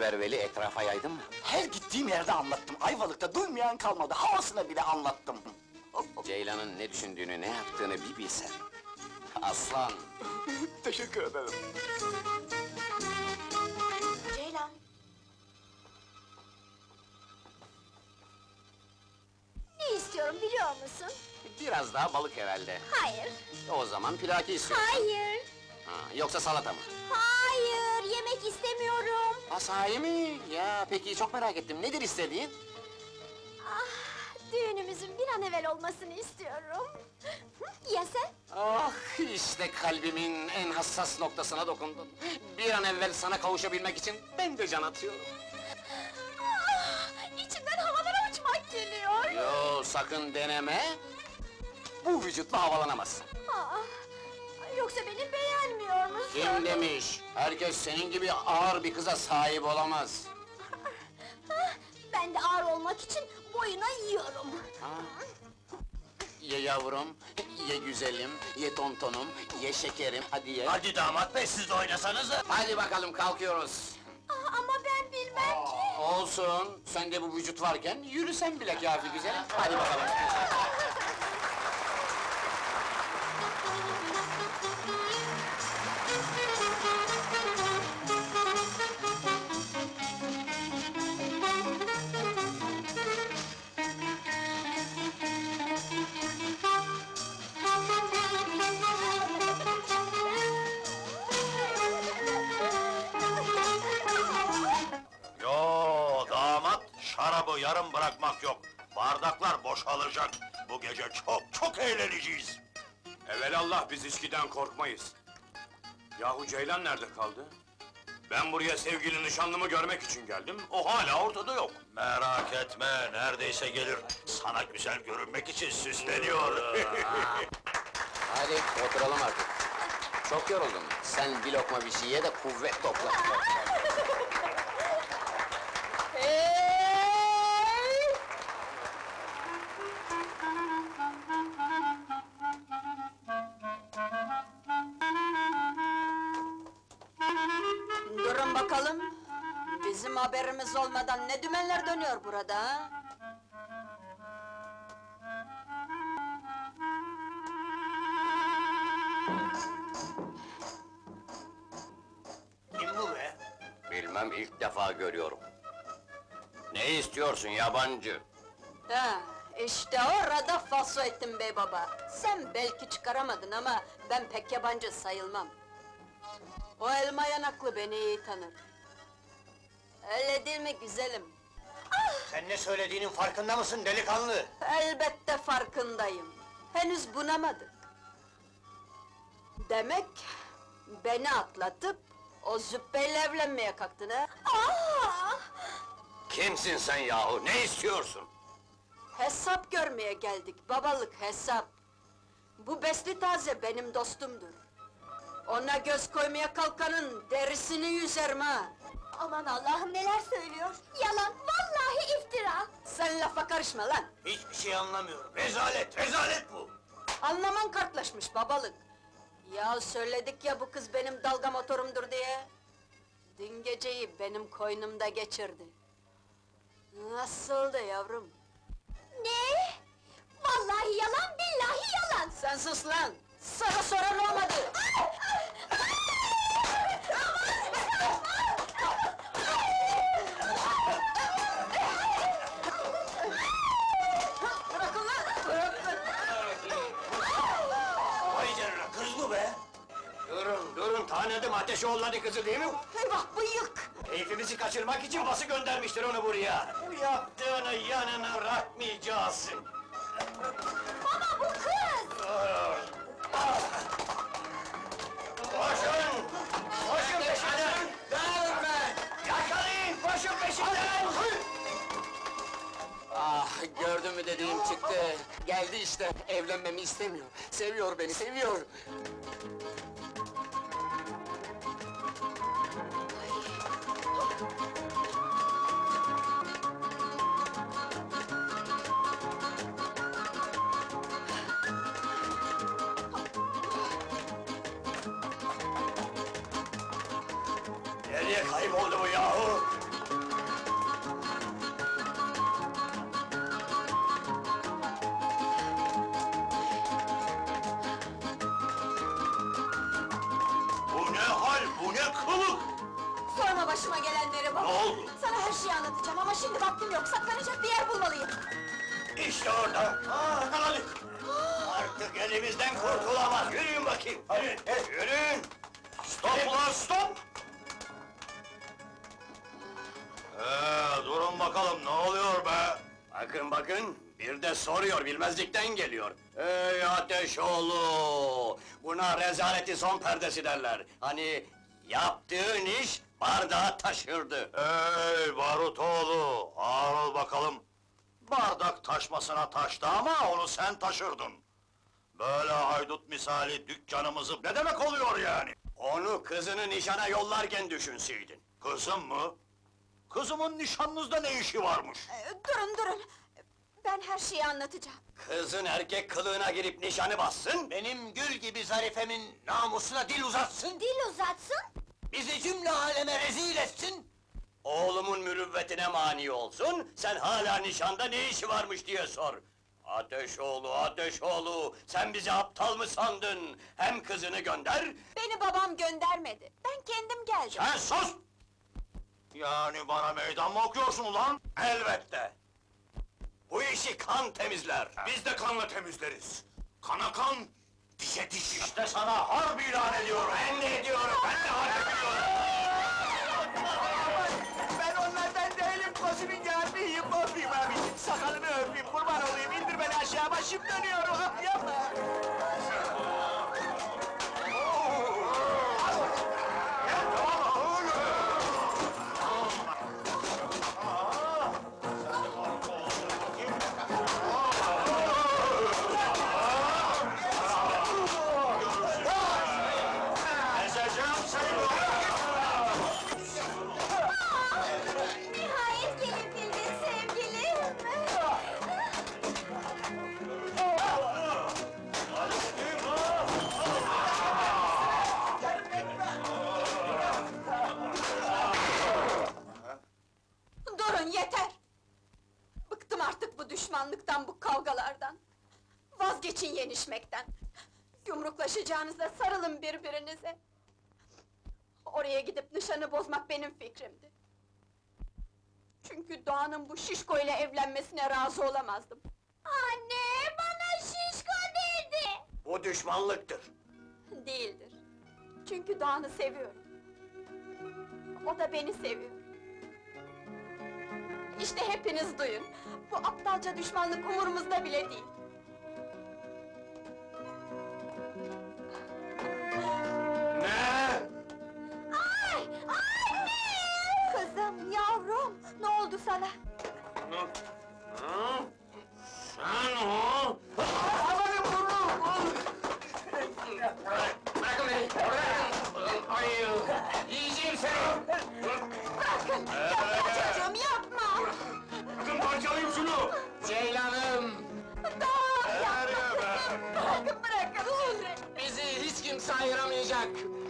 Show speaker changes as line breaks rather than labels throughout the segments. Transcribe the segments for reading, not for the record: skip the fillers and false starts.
haber Veli, etrafa yaydın mı?
Her gittiğim yerde anlattım. Ayvalık'ta duymayan kalmadı. Havasına bile anlattım.
Ceylan'ın ne düşündüğünü, ne yaptığını bir bilsen. Aslan!
Teşekkür ederim.
Ceylan. Ne istiyorum biliyor musun?
Biraz daha balık herhalde.
Hayır.
O zaman plaki istiyorsun.
Hayır.
Ha, yoksa salata mı?
Hayır, yemek istemiyorum.
Ha, sahi mi? Ya peki, çok merak ettim. Nedir istediğin?
Ah, düğünümüzün bir an evvel olmasını istiyorum. Hı, ya sen?
Ah, işte kalbimin en hassas noktasına dokundun. Bir an evvel sana kavuşabilmek için ben de can atıyorum.
Ah, içimden havalara uçmak geliyor.
Yo, sakın deneme! Bu vücutla havalanamazsın.
Aa, yoksa beni beğenmiyor musun?
Kim demiş? Herkes senin gibi ağır bir kıza sahip olamaz.
Ah, ben de ağır olmak için boyuna yiyorum.
Ha? Ye yavrum, ye güzelim, ye tontonum, ye şekerim, hadi ye.
Hadi damat bey, siz de oynasanıza.
Hadi bakalım, kalkıyoruz.
Ah, ama ben bilmem ki.
Olsun, sende bu vücut varken yürüsen bile kâfi güzelim. Hadi bakalım.
Yo damat, şarabı yarım bırakmak yok. Bardaklar boşalacak. Bu gece çok eğleneceğiz.
Evelallah biz içkiden korkmayız. Yahu Ceylan nerede kaldı? Ben buraya sevgili nişanlımı görmek için geldim, o hala ortada yok.
Merak etme, neredeyse gelir. Sana güzel görünmek için süsleniyor.
Hadi, oturalım artık. Çok yoruldum. Sen bir lokma bir şey ye de kuvvet topla.
Hey!
Durun bakalım! Bizim haberimiz olmadan ne dümenler dönüyor burada ha?
Kim bu be?
Bilmem, ilk defa görüyorum. Ne istiyorsun yabancı?
Ha, işte orada falso ettin bey baba! Sen belki çıkaramadın ama ben pek yabancı sayılmam. O elma yanaklı beni iyi tanır. Öyle değil mi güzelim?
Sen ne söylediğinin farkında mısın delikanlı?
Elbette farkındayım. Henüz bunamadık. Demek beni atlatıp o züppeyle evlenmeye kalktın ha?
Aa!
Kimsin sen yahu, ne istiyorsun?
Hesap görmeye geldik, babalık hesap. Bu besli taze benim dostumdur. Ona göz koymaya kalkanın derisini yüzerim ha!
Aman Allah'ım neler söylüyor? Yalan, vallahi iftira!
Sen lafa karışma lan!
Hiçbir şey anlamıyorum. Rezalet bu!
Anlaman kartlaşmış babalık! Ya söyledik ya bu kız benim dalga motorumdur diye! Dün geceyi benim koynumda geçirdi. Nasıldı yavrum?
Ne? Vallahi yalan, billahi yalan!
Sen sus lan! Sana soran olmadı! Bırakın lan! Bırakın!
Vay canına, kız bu be! Durun, tanıdım Ateşoğulları kızı değil mi?
Eyvah bıyık!
Keyfimizi kaçırmak için bası göndermiştir onu buraya. Bu yaptığını yanına bırakmayacağız.
Baba bu kız!
Koşun! Koşun peşinden! Dağılın! Yakalayın, koşun peşinden!
Ah, gördün mü dediğim çıktı. Geldi işte, evlenmemi istemiyor. Seviyor beni, seviyor.
Nereye kayboldu bu yahu?
kılık!
Sorma başıma gelenleri baba!
Ne oldu?
Sana her şeyi anlatacağım ama şimdi vaktim yok, saklanacak bir yer bulmalıyım!
İşte orada. Yakaladık. Artık elimizden kurtulamaz. Yürüyün bakayım. Hadi, yürüyün.
Stop ulan stop! Durun bakalım ne oluyor be?
Bakın bakın, bir de soruyor, bilmezlikten geliyor. Ey Ateşoğlu! Buna rezaleti son perdesi derler. Hani yaptığın iş bardağı taşırdı.
Ey Barutoğlu, ağır ol bakalım. Bardak taşmasına taştı ama onu sen taşırdın. Böyle haydut misali dükkanımızı ne demek oluyor yani?
Onu kızını nişana yollarken düşünseydin.
Kızım mı? Kızımın nişanınızda ne işi varmış?
Durun! Ben her şeyi anlatacağım.
Kızın erkek kılığına girip nişanı bassın, benim gül gibi zarifemin namusuna dil uzatsın,
Dil uzatsın.
bizi cümle aleme rezil etsin, oğlumun mürüvvetine mani olsun, sen hala nişanda ne işi varmış diye sor. Ateşoğlu, sen bizi aptal mı sandın? Hem kızını gönder,
Beni babam göndermedi, ben kendim geldim.
Sen sus! Yani bana meydan mı okuyorsun ulan?
elbette! Bu işi kan temizler!
Biz de kanla temizleriz. Kana kan, dişe diş.
İşte sana harp ilan ediyorum!
Ben de ediyorum, ben de harp ediyorum!
Ben onlardan değilim, Kozi'nin yardım yapayım abi. Sakalını öpeyim, kurban olayım, indir beni aşağı, başım dönüyor, yapma!
Ezeceğim seni!
Nihayet gelebildin sevgilim.
Durun yeter! Bıktım artık bu düşmanlıktan, bu kavgalardan. Vazgeçin yenişmekten. Yumruklaşacağınıza sarılın birbirinize. Oraya gidip nişanı bozmak benim fikrimdi. Çünkü Doğan'ın bu şişko ile evlenmesine razı olamazdım.
Anne, bana şişko dedi.
Bu düşmanlıktır.
Değildir. Çünkü Doğan'ı seviyorum. O da beni seviyor. İşte hepiniz duyun. Bu aptalca düşmanlık umurumuzda bile değil.
Ne?
Ay, anne!
Kızım, yavrum, ne oldu sana?
Ha? Sen o?
Bırakın beni! Bırakın! Ay! Yiyeceğim seni!
Bırakın! Yapma çocuğum, yapma!
Bakın parçalayayım şunu!
Ceylanım!
Doğan, yapma kızım! Bırakın!
Bizi hiç kimse ayıramayacak!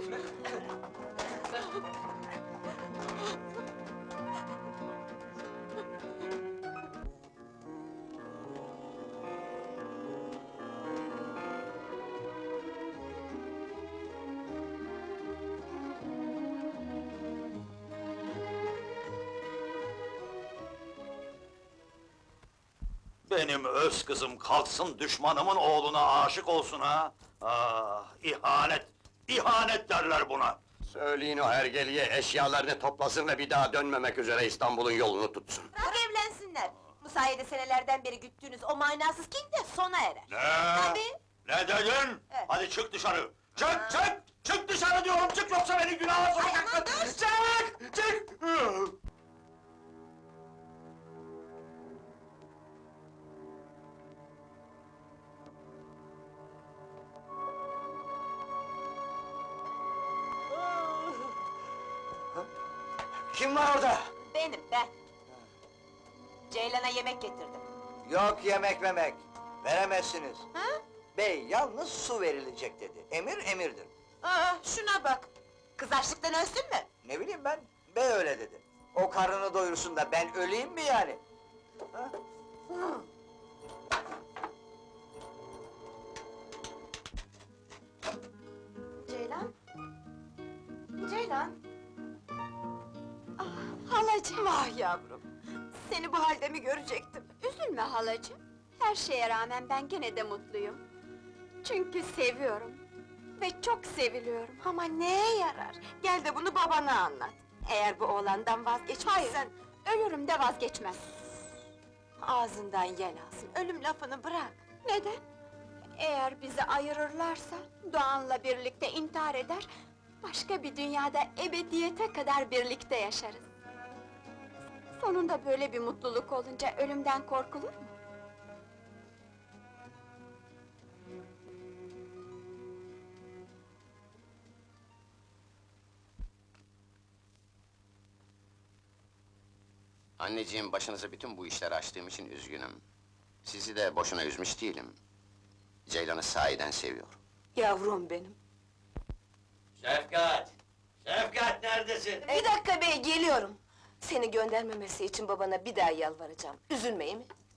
Benim öz kızım kalksın düşmanımın oğluna aşık olsun ha! Ah, ihanet! İhanet derler buna!
Söyleyin o hergeliye eşyalarını toplasın ve bir daha dönmemek üzere İstanbul'un yolunu tutsun.
Bırak evlensinler. Bu sayede senelerden beri güttüğünüz o manasız king de sona erer.
Ne?
Tabii.
Ne dedin?
Evet.
Hadi çık dışarı! Çık! Çık dışarı diyorum! Çık yoksa beni günaha sokacaksın! Çık!
Kim var orada?
Benim, ben. Ceylan'a yemek getirdim.
Yok yemek memek, veremezsiniz.
Ha?
Bey yalnız su verilecek dedi. Emir emirdir.
Aa, şuna bak! Kız açlıktan ölsün mü?
Ne bileyim ben, bey öyle dedi. O karnını doyursun da ben öleyim mi yani? Ha?
Ceylan?
Ceylan?
Halacığım,
Vah yavrum! Seni bu halde mi görecektim?
üzülme halacığım. Her şeye rağmen ben gene de mutluyum. Çünkü seviyorum. Ve çok seviliyorum.
Ama neye yarar? Gel de bunu babana anlat. Eğer bu oğlandan vazgeçmezsen...
Ölürüm de vazgeçmem.
Ağzından yel alsın, ölüm lafını bırak.
Neden? Eğer bizi ayırırlarsa, Doğan'la birlikte intihar eder... ...başka bir dünyada ebediyete kadar birlikte yaşarız. Sonunda böyle bir mutluluk olunca ölümden korkulur mu?
Anneciğim, başınıza bütün bu işleri açtığım için üzgünüm. Sizi de boşuna üzmüş değilim. Ceylan'ı sahiden seviyorum.
Yavrum benim.
Şefkat! Şefkat neredesin?
Bir dakika bey, geliyorum. Seni göndermemesi için babana bir daha yalvaracağım. Üzülme iyi mi?